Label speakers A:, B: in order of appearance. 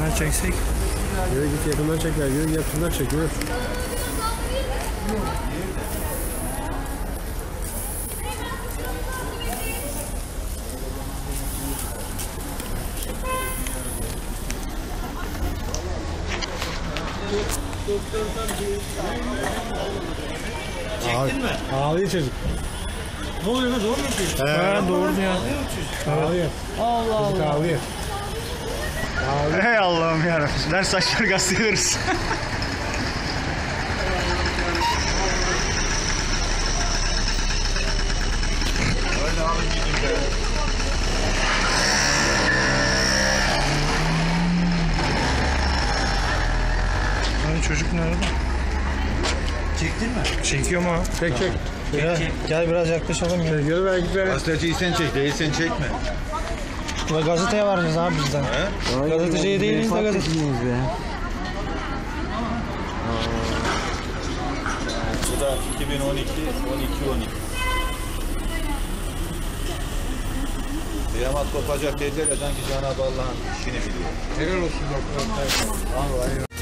A: Yakından çeksek.
B: Yürü git yakından çek ver. Yürü yakından çek. Yürü.
C: Çektin mi?
B: Ağlıyor çocuk.
C: Ne oluyor lan, doğru mu yapıyorsun?
A: Ha, doğru ya.
B: Ağlıyor.
C: Allah
B: Çocuk
C: Allah.
B: ağlıyor.
A: Hey Allah'ım yarabbim. Ver saçları gazeteleriz. Hani çocuk nerede?
C: Çektin mi?
A: Çekiyorum ha.
B: Çek çek.
A: Gel biraz yaklaşalım ya.
B: Yürü ver git ver.
D: Gazeteciyi sen çek, değilsen çekme.
A: Gazeteye varacağız abi bizden. Gazeteciye değiliz de gazeteciyiz be.
D: Bu da 2012, 12. Kıyamet kopacak dediler ya, sanki Cenab-ı Allah'ın işini biliyor.
B: Helal olsun doktor. Vallahi.